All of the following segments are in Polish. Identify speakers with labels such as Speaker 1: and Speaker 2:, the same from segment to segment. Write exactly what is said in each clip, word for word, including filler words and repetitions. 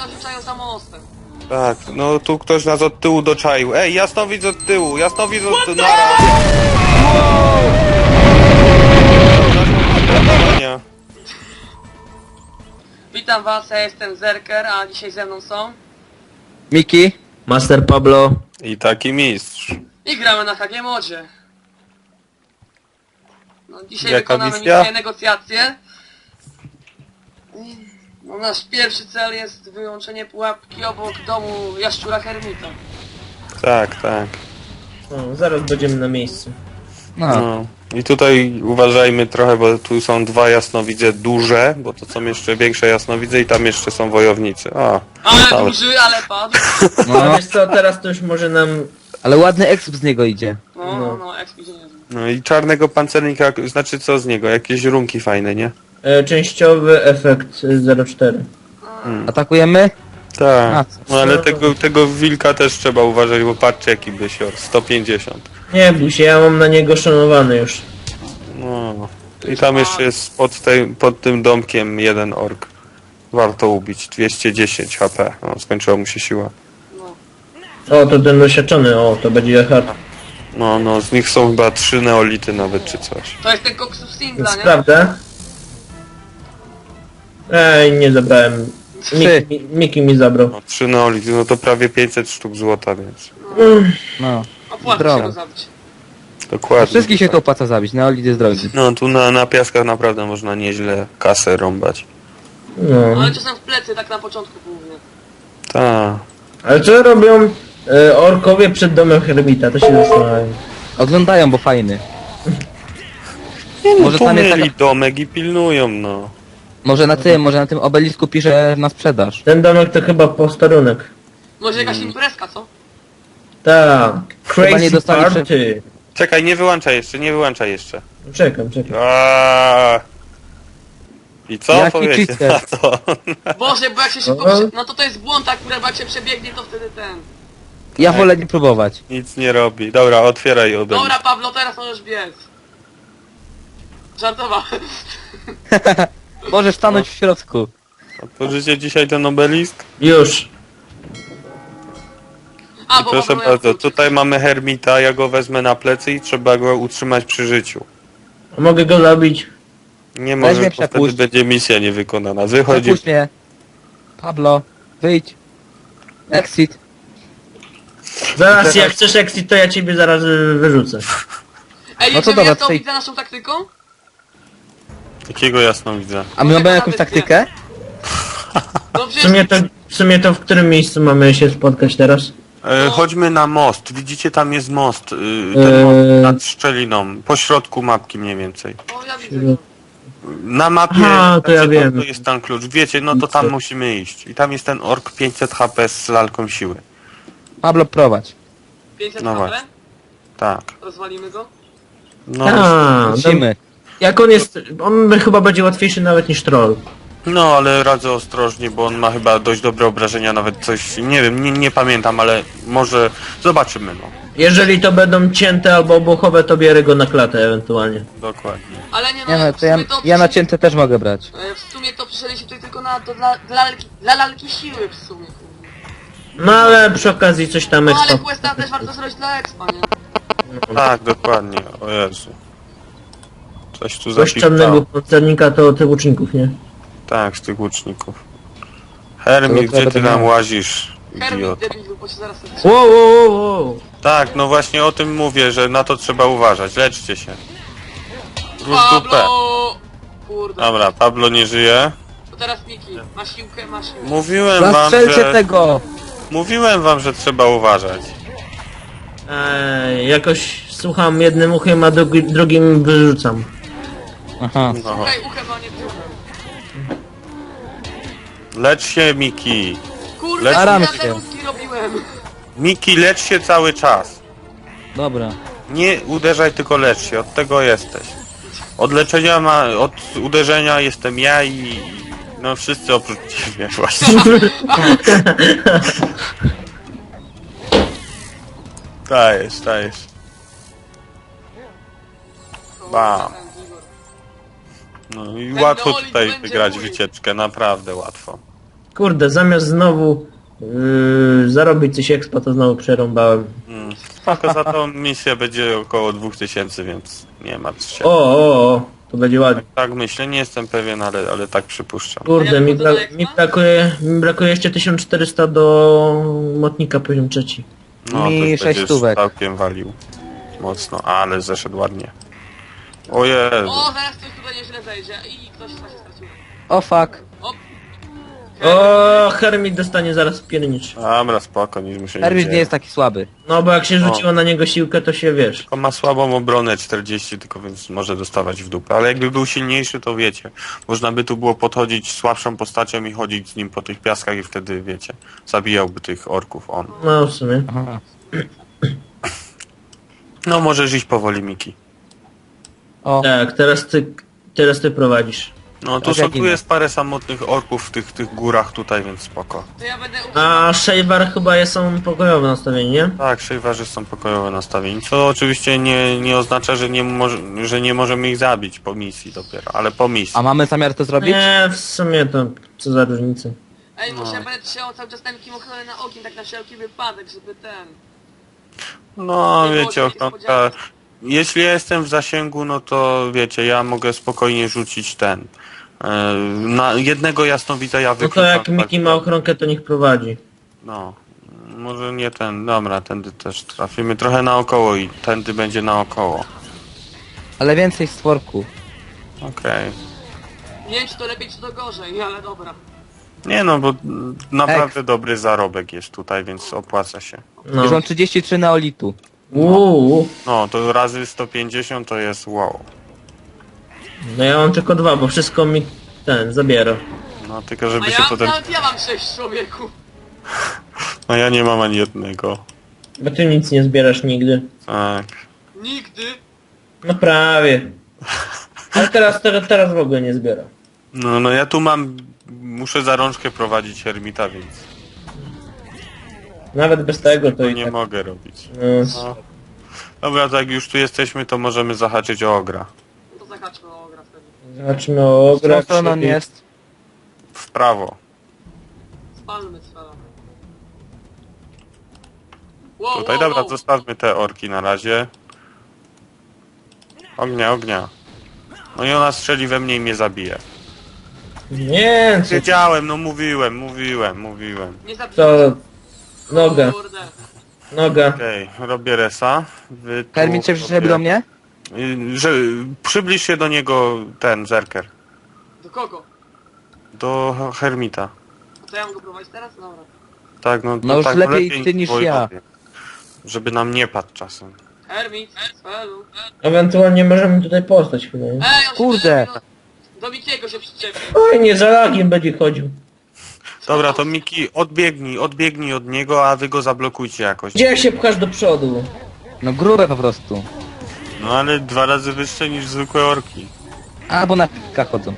Speaker 1: nas rzucają za mostem.
Speaker 2: Tak, no tu ktoś nas od tyłu doczaił. Ej, jasnowidz od tyłu, jasnowidz od tyłu. Nara. Wow!
Speaker 1: Witam was, ja jestem Zerker, a dzisiaj ze mną są...
Speaker 3: Miki, Master Pablo.
Speaker 2: I taki mistrz.
Speaker 1: I gramy na H G Modzie. No, dzisiaj
Speaker 2: Jaka
Speaker 1: wykonamy
Speaker 2: misja?
Speaker 1: misję negocjacje. No, nasz pierwszy cel jest wyłączenie pułapki obok domu Jaszczura Hermita.
Speaker 2: Tak, tak.
Speaker 4: O, zaraz będziemy na miejscu.
Speaker 3: No.
Speaker 2: No. I tutaj uważajmy trochę, bo tu są dwa jasnowidze duże, bo to są jeszcze większe jasnowidze i tam jeszcze są wojownicy. A,
Speaker 1: Ale
Speaker 2: ale-
Speaker 1: duży, ale padł.
Speaker 4: A
Speaker 3: No,
Speaker 4: wiesz co, teraz to już może nam...
Speaker 3: ale ładny exp z niego idzie.
Speaker 1: No, no, no, ekspedicja niezły.
Speaker 2: no i czarnego pancernika, znaczy co z niego? Jakieś runki fajne, nie?
Speaker 4: E, częściowy efekt zero cztery.
Speaker 3: Atakujemy? A,
Speaker 2: Tak.
Speaker 3: co?
Speaker 2: No ale tego, tego wilka też trzeba uważać, bo patrzcie jaki bysior. sto pięćdziesiąt.
Speaker 4: Nie bój się, ja mam na niego szanowany już.
Speaker 2: No. I tam jeszcze jest pod, tej, pod tym domkiem jeden ork. Warto ubić. dwieście dziesięć H P. No, skończyła mu się siła.
Speaker 4: O, to ten doświadczony, o, to będzie hard.
Speaker 2: No, no, z nich są chyba trzy neolity nawet, czy coś.
Speaker 1: To jest ten koksus singla, nie?
Speaker 4: Sprawdzę. Ej, nie zabrałem.
Speaker 3: Trzy.
Speaker 4: Miki, Miki mi zabrał.
Speaker 2: No, trzy neolity, no to prawie pięćset sztuk złota, więc
Speaker 3: No.
Speaker 1: Opłaca się
Speaker 3: Zdrowo.
Speaker 1: go zabić.
Speaker 2: dokładnie.
Speaker 3: Wszystkich się to opłaca zabić, neolit jest drogi.
Speaker 2: No, tu na, na piaskach naprawdę można nieźle kasę rąbać.
Speaker 4: No.
Speaker 1: Ale czasem w plecy, tak na początku głównie.
Speaker 2: Ta.
Speaker 4: Ale co robią e, orkowie przed domem Hermita? To się zastanawiam.
Speaker 3: Oglądają, bo fajny.
Speaker 2: No,
Speaker 3: Może tam jest
Speaker 2: pomyli
Speaker 3: taka...
Speaker 2: domek i pilnują, no.
Speaker 3: Może na tym, może na tym obelisku pisze na sprzedaż.
Speaker 4: Ten domek to chyba posterunek.
Speaker 1: Może jakaś imprezka, co?
Speaker 4: Tak.
Speaker 3: Chyba nie
Speaker 4: Crazy
Speaker 3: dostali prze-
Speaker 4: party.
Speaker 2: Czekaj, nie wyłączaj jeszcze, nie wyłączaj jeszcze.
Speaker 4: Czekam, czekam.
Speaker 2: Aaaa. I co
Speaker 3: Jaki
Speaker 2: powiecie
Speaker 3: cheater?
Speaker 2: na to?
Speaker 1: Boże, bo jak się szybko...
Speaker 4: Aha.
Speaker 1: Prze... No to to jest błąd akurat, bo jak się przebiegnie, to wtedy ten...
Speaker 3: Ja wolę nie próbować.
Speaker 2: Nic nie robi. Dobra, otwieraj obelisk.
Speaker 1: Dobra, Pablo, teraz możesz biec. Żartowałem.
Speaker 3: Możesz stanąć w środku.
Speaker 2: Otworzycie dzisiaj ten obelisk?
Speaker 4: Już.
Speaker 1: A,
Speaker 2: I
Speaker 1: bo
Speaker 2: proszę
Speaker 1: Pablo
Speaker 2: bardzo,
Speaker 1: jak
Speaker 2: tutaj mamy Hermita, ja go wezmę na plecy i trzeba go utrzymać przy życiu.
Speaker 4: A mogę go zabić?
Speaker 2: Nie
Speaker 3: Weź
Speaker 2: może,
Speaker 3: mnie
Speaker 2: bo wtedy
Speaker 3: przepuść.
Speaker 2: będzie misja niewykonana. Wychodzi.
Speaker 3: Przepuść mnie. Pablo, wyjdź. Exit.
Speaker 4: Zaraz,
Speaker 2: Teraz-
Speaker 4: jak chcesz exit, to ja ciebie zaraz y, wyrzucę.
Speaker 1: Ej,
Speaker 3: No to
Speaker 1: jedziemy
Speaker 3: dobra,
Speaker 1: ja to
Speaker 3: tutaj-
Speaker 1: widzę naszą taktyką?
Speaker 2: Takiego jasno widzę.
Speaker 3: A my mamy jakąś taktykę?
Speaker 1: No
Speaker 4: W
Speaker 1: przecież...
Speaker 4: sumie to, w sumie to w którym miejscu mamy się spotkać teraz?
Speaker 2: E,
Speaker 1: No.
Speaker 2: chodźmy na most. Widzicie, tam jest most. Y,
Speaker 4: Eee.
Speaker 2: ten most nad szczeliną. Po środku mapki mniej więcej.
Speaker 1: O, ja widzę.
Speaker 2: Na mapie
Speaker 4: Aha, to ja
Speaker 2: znaczy,
Speaker 4: wiem.
Speaker 2: to jest tam klucz. Wiecie, no to tam musimy iść. I tam jest ten ork pięćset H P z lalką siły.
Speaker 3: Pablo, prowadź.
Speaker 1: pięćset
Speaker 2: No
Speaker 1: H P?
Speaker 2: właśnie. Tak.
Speaker 1: Rozwalimy go?
Speaker 2: No,
Speaker 4: A,
Speaker 3: Musimy.
Speaker 4: jak on jest, on chyba będzie łatwiejszy nawet niż troll.
Speaker 2: no ale radzę ostrożnie, bo on ma chyba dość dobre obrażenia, nawet coś, nie wiem, nie, nie pamiętam, ale może zobaczymy, no.
Speaker 4: Jeżeli to będą cięte albo obuchowe, to bierę go na klatę ewentualnie.
Speaker 2: Dokładnie.
Speaker 1: Ale nie no,
Speaker 3: Nie no,
Speaker 1: w
Speaker 3: to ja,
Speaker 1: sumie to...
Speaker 3: ja na cięte też mogę brać.
Speaker 1: E, W sumie to przyszedliśmy tutaj tylko na, to dla, dla, lalki, dla lalki siły w sumie. kurde.
Speaker 4: No ale przy okazji coś tam
Speaker 1: No ale
Speaker 4: ekstra.
Speaker 1: questa też warto zrobić dla expa, nie?
Speaker 2: Tak, dokładnie, o Jezu. Coś tu
Speaker 4: Coś czarnego
Speaker 2: zapisało.
Speaker 4: pancernika to tych łuczników, nie?
Speaker 2: Tak, z tych łuczników. Hermit,
Speaker 3: To
Speaker 2: gdzie ty
Speaker 3: będę
Speaker 2: tam
Speaker 3: miał.
Speaker 2: łazisz,
Speaker 1: Hermit
Speaker 2: idioto?
Speaker 1: debilu, bo się zaraz...
Speaker 4: Wow, wow, wow, wow.
Speaker 2: Tak, no właśnie o tym mówię, że na to trzeba uważać. Leczcie się. Róż dupę.
Speaker 1: Pablo! Kurde.
Speaker 2: Dobra, Pablo nie żyje.
Speaker 1: To teraz Miki. Ma siłkę, ma siłkę.
Speaker 2: Mówiłem wam,
Speaker 3: Zastrzelcie
Speaker 2: że...
Speaker 3: tego!
Speaker 2: Mówiłem wam, że trzeba uważać.
Speaker 4: Ej, jakoś słucham jednym uchem, a drugi, drugim wyrzucam.
Speaker 3: Aha.
Speaker 2: No.
Speaker 1: Słuchaj, uchem, a nie tyłem.
Speaker 2: Lecz się, Miki.
Speaker 1: Kurde,
Speaker 3: Staram
Speaker 1: ja
Speaker 3: się.
Speaker 1: te ruski robiłem.
Speaker 2: Miki, lecz się cały czas.
Speaker 3: Dobra.
Speaker 2: Nie uderzaj, tylko lecz się. Od tego jesteś. Od leczenia ma... Od uderzenia jestem ja i... No wszyscy oprócz ciebie właśnie. Dajesz, dajesz. Bam. No i
Speaker 1: Ten
Speaker 2: łatwo
Speaker 1: Neolith
Speaker 2: tutaj
Speaker 1: będzie
Speaker 2: wygrać
Speaker 1: mój.
Speaker 2: wycieczkę, naprawdę łatwo.
Speaker 4: Kurde, zamiast znowu yy, zarobić coś expa, to znowu przerąbałem.
Speaker 2: Mm. Spoko, za tą misję będzie około dwóch tysięcy, więc nie martw się.
Speaker 4: O, o, o, to będzie ładnie.
Speaker 2: Tak myślę, nie jestem pewien, ale, ale tak przypuszczam.
Speaker 4: Kurde, mi,
Speaker 1: wchodzę do
Speaker 4: bra
Speaker 1: expa?
Speaker 4: mi, brakuje, mi brakuje jeszcze tysiąc czterysta do motnika poziom trzeci.
Speaker 2: No,
Speaker 3: Mi
Speaker 2: to już
Speaker 3: sześć
Speaker 2: będziesz
Speaker 3: stówek.
Speaker 2: całkiem walił. Mocno, ale zeszedł ładnie. O Jezu.
Speaker 1: O, zaraz coś tutaj nieźle zejdzie i ktoś się stracił.
Speaker 3: O fuck.
Speaker 1: O!
Speaker 4: O, Hermit dostanie zaraz piernicz.
Speaker 2: Dobra, spoko, nic mu się nie
Speaker 3: Hermit
Speaker 2: dzieje.
Speaker 3: nie jest taki słaby.
Speaker 4: No bo jak się
Speaker 2: O.
Speaker 4: rzuciło na niego siłkę, to się wiesz.
Speaker 2: Tylko ma słabą obronę czterdzieści, tylko więc może dostawać w dupę. Ale jakby był silniejszy, to wiecie. Można by tu było podchodzić słabszą postacią i chodzić z nim po tych piaskach i wtedy, wiecie, zabijałby tych orków on.
Speaker 4: No w sumie.
Speaker 3: Aha.
Speaker 2: No możesz iść powoli, Miki.
Speaker 3: O,
Speaker 4: Tak, teraz ty, teraz ty prowadzisz.
Speaker 2: No tu,
Speaker 3: Tak
Speaker 2: są,
Speaker 3: jak
Speaker 2: tu
Speaker 3: inne.
Speaker 2: jest parę samotnych orków w tych, tych górach tutaj, więc spoko.
Speaker 1: To ja będę
Speaker 4: A Shavar chyba jest są pokojowe nastawienie, nie?
Speaker 2: Tak, szejwarzy są pokojowe nastawieni, co oczywiście nie, nie oznacza, że nie, może, że nie możemy ich zabić po misji dopiero, ale po misji.
Speaker 3: a mamy zamiar to zrobić?
Speaker 4: Nie, w sumie to co za różnica.
Speaker 1: Ej,
Speaker 2: No.
Speaker 1: muszę będę trzymał cały czas ten kim ochronę na ogień, tak na wszelki wypadek, żeby ten...
Speaker 2: No
Speaker 1: Nie było
Speaker 2: wiecie,
Speaker 1: żadnych
Speaker 2: ochronka,
Speaker 1: niespodzianek.
Speaker 2: jeśli ja jestem w zasięgu, no to wiecie, ja mogę spokojnie rzucić ten. e, Na jednego jasnowidza ja
Speaker 4: No to
Speaker 2: wykluczam.
Speaker 4: jak Miki ma ochronkę, to niech prowadzi.
Speaker 2: No, może nie ten, dobra, tędy też trafimy trochę naokoło i tędy będzie naokoło.
Speaker 3: Ale więcej stworku.
Speaker 2: Okej.
Speaker 1: Nie wiem czy to lepiej czy to gorzej, ale dobra.
Speaker 2: Nie no, bo mm, naprawdę dobry zarobek jest tutaj, więc opłaca się.
Speaker 4: No.
Speaker 3: Już mam trzydzieści trzy neolitu.
Speaker 4: Uuu.
Speaker 2: No, to razy sto pięćdziesiąt to jest wow.
Speaker 4: No ja mam tylko dwa, bo wszystko mi ten zabiera.
Speaker 2: No, tylko
Speaker 1: A
Speaker 2: żeby się
Speaker 1: ja,
Speaker 2: potem...
Speaker 1: nawet ja mam sześć człowieku.
Speaker 2: No ja nie mam ani jednego.
Speaker 4: Bo ty nic nie zbierasz nigdy.
Speaker 2: Tak.
Speaker 1: Nigdy.
Speaker 4: No prawie. Ale teraz, teraz, teraz w ogóle nie zbiera.
Speaker 2: No, no ja tu mam... Muszę za rączkę prowadzić Hermita, więc
Speaker 4: Nawet bez tego to
Speaker 2: to
Speaker 4: i
Speaker 2: nie
Speaker 4: tak.
Speaker 2: mogę robić.
Speaker 4: No,
Speaker 2: No. Dobra, to jak już tu jesteśmy, to możemy zahaczyć o ogra.
Speaker 1: No to zahaczmy o gra wtedy.
Speaker 4: zobaczmy o
Speaker 3: Z którą
Speaker 4: grach.
Speaker 3: stroną on jest?
Speaker 2: W prawo.
Speaker 1: Spalmy cwela. Wow,
Speaker 2: Tutaj,
Speaker 1: wow,
Speaker 2: dobra,
Speaker 1: wow.
Speaker 2: zostawmy te orki na razie. Ognia, ognia. No i ona strzeli we mnie i mnie zabije.
Speaker 4: Nie, co
Speaker 2: Wiedziałem, no mówiłem, mówiłem, mówiłem.
Speaker 1: Nie zabijcie.
Speaker 4: to... Noga,
Speaker 1: Kurde.
Speaker 4: noga.
Speaker 2: Okej, robię resa. Wy tu
Speaker 3: Hermit się przyszedł do mnie?
Speaker 2: Y, Że przybliż się do niego ten zerker.
Speaker 1: Do kogo?
Speaker 2: Do Hermita.
Speaker 1: A to ja mam go prowadzić teraz? Dobra.
Speaker 2: Tak, no,
Speaker 3: No już
Speaker 2: tak,
Speaker 3: lepiej ty niż ja.
Speaker 2: wojowie. Żeby nam nie padł czasem.
Speaker 1: Hermit, Cwelu.
Speaker 4: Ewentualnie możemy tutaj postać chyba, nie?
Speaker 1: Ej, on się
Speaker 3: Kurde.
Speaker 1: do, do Mikiego się przyczepił.
Speaker 4: Oj, nie, za lagiem będzie chodził.
Speaker 2: Dobra, to Miki, odbiegnij, odbiegnij od niego, a wy go zablokujcie jakoś.
Speaker 4: Gdzie się pchasz do przodu?
Speaker 3: No grube po prostu.
Speaker 2: No ale dwa razy wyższe niż zwykłe orki.
Speaker 3: Albo na pikach chodzą.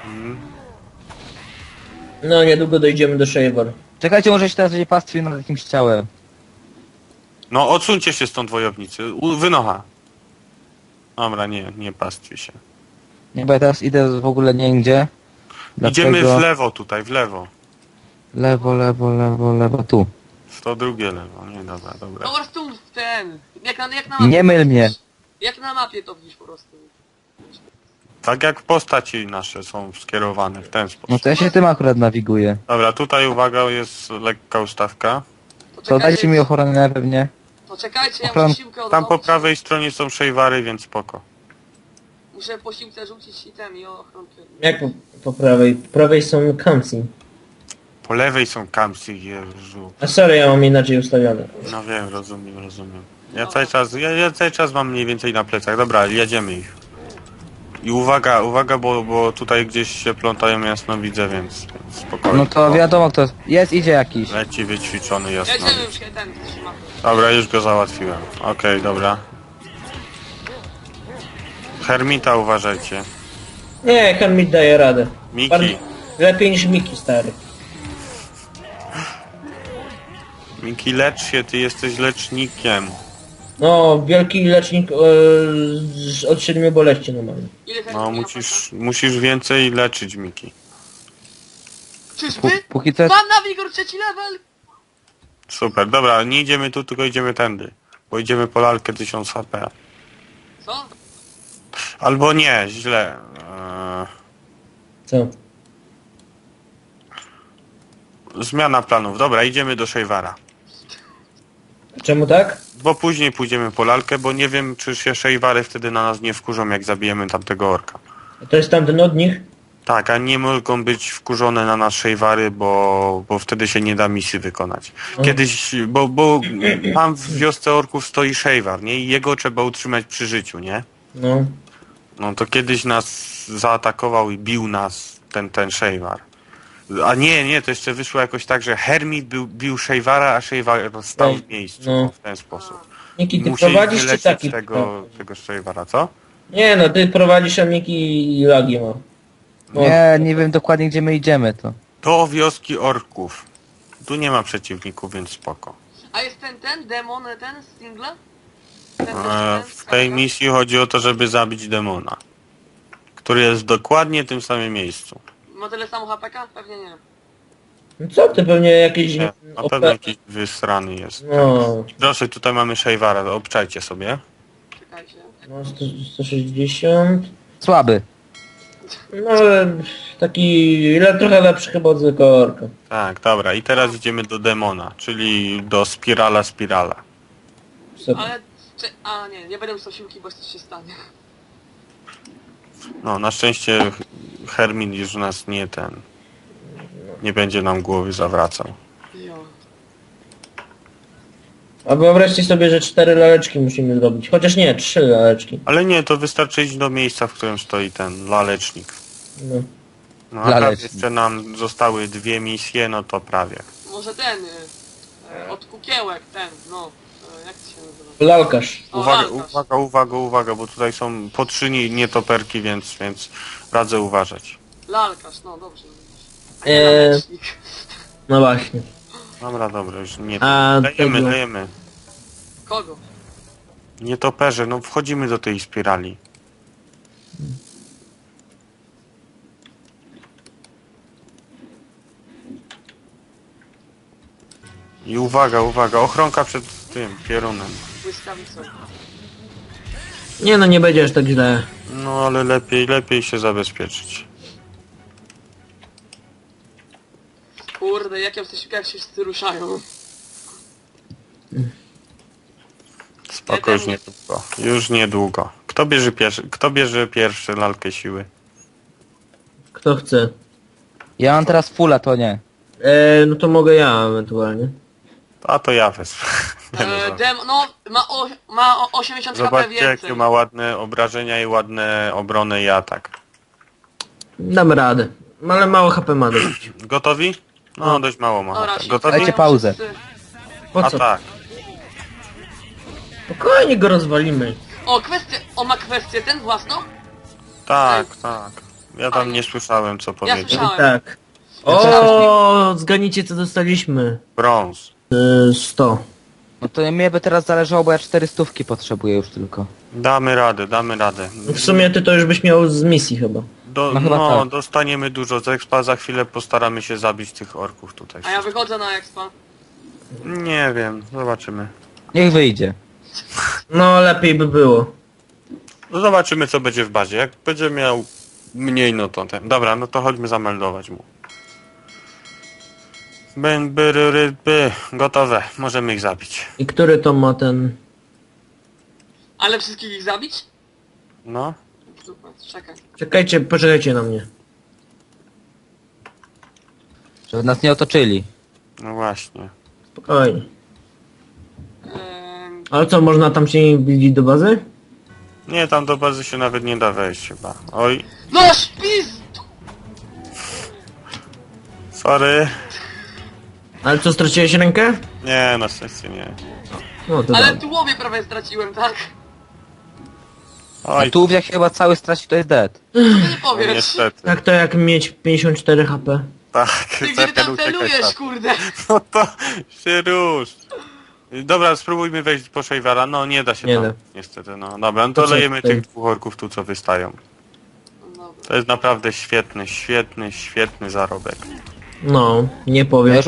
Speaker 4: No, niedługo dojdziemy do Shavar.
Speaker 3: Czekajcie, może się teraz będzie pastwił nad jakimś ciałem.
Speaker 2: No odsuńcie się stąd wojownicy. U, wynocha. Dobra, nie, nie pastwi się.
Speaker 3: Nie, bo ja teraz idę w ogóle nigdzie.
Speaker 2: Idziemy
Speaker 3: Dlatego-
Speaker 2: w lewo tutaj, w lewo.
Speaker 3: Lewo, lewo, lewo, lewo, tu.
Speaker 2: W to drugie lewo, nie dobra, dobra.
Speaker 1: No po prostu ten. Jak na, jak na mapie.
Speaker 3: Nie myl mnie.
Speaker 1: Jak na mapie to widzisz po prostu.
Speaker 2: Tak jak postaci nasze są skierowane w ten
Speaker 3: No
Speaker 2: sposób.
Speaker 3: to ja się tym akurat nawiguję.
Speaker 2: Dobra, tutaj uwaga, jest lekka ustawka.
Speaker 1: To
Speaker 3: To dajcie mi ochronę pewnie.
Speaker 1: To czekajcie, ja
Speaker 3: ochron-
Speaker 1: muszę siłkę
Speaker 2: Tam po
Speaker 1: odrobić.
Speaker 2: prawej stronie są szejwary, więc spoko.
Speaker 1: Muszę po siłce rzucić item i ochronkę.
Speaker 4: Jak po, po prawej? Po prawej są Kamsi.
Speaker 2: Po lewej są kampsy, Jezu.
Speaker 4: A sorry, ja mam inaczej ustawione.
Speaker 2: No wiem, rozumiem, rozumiem. Ja cały czas, ja, ja cały czas mam mniej więcej na plecach. Dobra, jedziemy ich. I uwaga, uwaga, bo, bo tutaj gdzieś się plątają jasnowidzę, więc, więc spokojnie.
Speaker 3: No to wiadomo kto. Jest, idzie jakiś.
Speaker 2: Leci wyćwiczony
Speaker 1: Jedziemy
Speaker 2: jasnowidz.
Speaker 1: już ten trzyma.
Speaker 2: Dobra, już go załatwiłem. Okej, dobra. Hermita uważajcie.
Speaker 4: Nie, Hermit daje radę.
Speaker 2: Miki,
Speaker 4: Bardziej- Lepiej niż Miki, stary.
Speaker 2: Miki, lecz się, ty jesteś lecznikiem.
Speaker 4: No, wielki lecznik e, z- od siedmiu boleści normalnie.
Speaker 1: Ile ten
Speaker 2: No,
Speaker 1: miał
Speaker 2: musisz, musisz więcej leczyć, Miki.
Speaker 1: Czyżby?
Speaker 3: Pó- póki co-
Speaker 1: Pan Nawigor trzeci level!
Speaker 2: Super, dobra, nie idziemy tu, tylko idziemy tędy. Bo idziemy po lalkę tysiąc H P.
Speaker 1: Co?
Speaker 2: Albo nie, źle. Eee,
Speaker 4: Co?
Speaker 2: zmiana planów. Dobra, idziemy do Szejwara.
Speaker 4: Czemu tak?
Speaker 2: Bo później pójdziemy po lalkę, bo nie wiem, czy się Szejwary wtedy na nas nie wkurzą, jak zabijemy tamtego orka.
Speaker 4: To jest tamten od nich?
Speaker 2: Tak, a nie mogą być wkurzone na nas Szejwary, bo, bo wtedy się nie da misji wykonać. Kiedyś, bo, bo tam w wiosce orków stoi Szejwar, nie? I jego trzeba utrzymać przy życiu, nie?
Speaker 4: No.
Speaker 2: No to kiedyś nas zaatakował i bił nas ten, ten Szejwar. A nie, nie, to jeszcze wyszło jakoś tak, że Hermit bił, bił Szejwara, a Szejwar stał w miejscu.
Speaker 4: No.
Speaker 2: W ten sposób.
Speaker 4: Miki, ty
Speaker 2: Musieli
Speaker 4: prowadzisz czy
Speaker 2: wylecieć
Speaker 4: taki?
Speaker 2: tego, tego Szejwara, co?
Speaker 4: Nie no, ty prowadzisz, a Miki i lagi ma. No.
Speaker 3: Nie, nie wiem dokładnie gdzie my idziemy to.
Speaker 2: Do wioski orków. Tu nie ma przeciwników, więc spoko.
Speaker 1: A jest ten, ten, demon, ten z singla? Ten, ten,
Speaker 2: E,
Speaker 1: ten,
Speaker 2: w tej misji chodzi o to, żeby zabić demona, który jest dokładnie w tym samym miejscu.
Speaker 1: Ma tyle samo H P K? Pewnie nie.
Speaker 4: No co ty, pewnie jakieś...
Speaker 2: Nie, na
Speaker 4: O
Speaker 2: pewno
Speaker 4: P-
Speaker 2: jakiś wysrany jest.
Speaker 4: No,
Speaker 2: Proszę, tutaj mamy Szejwara, obczajcie sobie.
Speaker 1: Czekajcie.
Speaker 4: no sto, sto sześćdziesiąt.
Speaker 3: Słaby.
Speaker 4: No ale taki... Ile, trochę lepszy chyba od zwykłego orka.
Speaker 2: Tak, dobra, i teraz idziemy do demona, czyli do spirala spirala.
Speaker 4: Super.
Speaker 1: Ale... Cze a nie, nie będę już siłki, bo coś się stanie.
Speaker 2: No, na szczęście Hermin już nas nie ten... Nie będzie nam głowy zawracał.
Speaker 1: Jo.
Speaker 4: A wyobraźcie sobie, że cztery laleczki musimy zrobić. Chociaż nie, trzy laleczki.
Speaker 2: Ale nie, to wystarczy iść do miejsca, w którym stoi ten lalecznik.
Speaker 4: No.
Speaker 2: No a tam
Speaker 3: Lalecznik.
Speaker 2: jeszcze nam zostały dwie misje, no to prawie.
Speaker 1: Może ten... Y, y, od kukiełek, ten, no. Y, jak to się nazywa?
Speaker 4: Lalkarz.
Speaker 1: O,
Speaker 2: Uwaga,
Speaker 1: lalkarz.
Speaker 2: uwaga, uwaga, uwaga, bo tutaj są po trzy ni- nietoperki, więc, więc radzę uważać.
Speaker 1: Lalkarz, no dobrze. A nie
Speaker 4: Eee.
Speaker 1: lalecznik.
Speaker 4: No właśnie.
Speaker 2: Dobra, dobra, już nie.
Speaker 4: A
Speaker 2: Dajemy,
Speaker 4: tego-
Speaker 2: dajemy.
Speaker 1: Kogo?
Speaker 2: Nietoperze, no wchodzimy do tej spirali. I uwaga, uwaga, ochronka przed tym piorunem.
Speaker 1: Błyskawicą.
Speaker 4: Nie no, nie będzie aż tak źle.
Speaker 2: No ale lepiej, lepiej się zabezpieczyć.
Speaker 1: Kurde, jak ja w tych jak się wszyscy ruszają.
Speaker 2: Spoko, już niedługo. Już niedługo. Kto bierze pierwszy, kto bierze pierwszy lalkę siły?
Speaker 4: Kto chce.
Speaker 3: Ja mam teraz fulla, to nie.
Speaker 4: Eee, no to mogę ja ewentualnie.
Speaker 2: A to ja wezmę. Nie no,
Speaker 1: E,
Speaker 2: żart.
Speaker 1: dem, no, ma, o, ma o osiemdziesiąt H P
Speaker 2: Zobaczcie
Speaker 1: więcej.
Speaker 2: jakie ma ładne obrażenia i ładne obronę i atak.
Speaker 4: Dam radę. Ale mało H P ma dość.
Speaker 2: Gotowi? No dość mało ma.
Speaker 1: Dobra,
Speaker 2: atak.
Speaker 1: się
Speaker 2: Gotowi?
Speaker 3: Dajcie
Speaker 1: wstają
Speaker 3: pauzę.
Speaker 1: wszyscy.
Speaker 4: Po
Speaker 2: A
Speaker 4: co?
Speaker 2: tak.
Speaker 4: Spokojnie go rozwalimy.
Speaker 1: O, kwestię, o ma kwestię ten własną?
Speaker 2: Tak, tak. Ja tam
Speaker 1: Fajnie.
Speaker 2: nie słyszałem co powiedzieć.
Speaker 1: słyszałem.
Speaker 4: Tak. O, zganicie co dostaliśmy.
Speaker 2: Brąz.
Speaker 4: Eee, sto.
Speaker 3: No to mnie by teraz zależało, bo ja cztery stówki potrzebuję już tylko.
Speaker 2: Damy radę, damy radę.
Speaker 4: W sumie ty to już byś miał z misji chyba.
Speaker 2: Do,
Speaker 3: No chyba
Speaker 2: no,
Speaker 3: tak.
Speaker 2: dostaniemy dużo z expa, za chwilę postaramy się zabić tych orków tutaj.
Speaker 1: A ja wychodzę na expa.
Speaker 2: Nie wiem, zobaczymy.
Speaker 3: Niech wyjdzie.
Speaker 4: No lepiej by było.
Speaker 2: No zobaczymy co będzie w bazie. Jak będzie miał mniej, no to ten. Dobra, no to chodźmy zameldować mu. Ben, by, ry, ry, by. Gotowe, możemy ich zabić.
Speaker 4: I który to ma ten...
Speaker 1: Ale wszystkich ich zabić?
Speaker 2: No.
Speaker 1: Super, czekaj.
Speaker 4: Czekajcie, poczekajcie na mnie.
Speaker 3: Żeby nas nie otoczyli.
Speaker 2: No właśnie.
Speaker 4: Spokojnie.
Speaker 1: Ehm,
Speaker 4: Ale co, można tam się nie wbić do bazy?
Speaker 2: Nie, tam do bazy się nawet nie da wejść chyba. Oj,
Speaker 1: no śpis!
Speaker 2: sorry.
Speaker 4: Ale co, straciłeś rękę?
Speaker 2: Nie, na szczęście nie.
Speaker 4: No to
Speaker 1: Ale
Speaker 4: dobrze.
Speaker 1: tułowie prawie straciłem, tak?
Speaker 3: A
Speaker 2: Oj,
Speaker 3: tu jak się chyba cały straci, to jest dead.
Speaker 1: Co ty nie
Speaker 2: no
Speaker 1: powiesz?
Speaker 2: niestety.
Speaker 4: Tak to jak mieć pięćdziesiąt cztery H P.
Speaker 2: Tak,
Speaker 1: Ty gdzie ty
Speaker 2: Zerker
Speaker 1: tam
Speaker 2: uciekaj
Speaker 1: celujesz,
Speaker 2: stąd.
Speaker 1: kurde?
Speaker 2: No to się rusz. Dobra, spróbujmy wejść po Szejwara. No nie da się
Speaker 4: Nie
Speaker 2: tam,
Speaker 4: da.
Speaker 2: niestety. No dobra, no to
Speaker 4: To co
Speaker 2: lejemy
Speaker 4: tutaj?
Speaker 2: tych dwóch orków tu, co wystają.
Speaker 1: No dobra.
Speaker 2: To jest naprawdę świetny, świetny, świetny zarobek.
Speaker 4: No, nie
Speaker 3: Ja
Speaker 4: powiem.
Speaker 3: już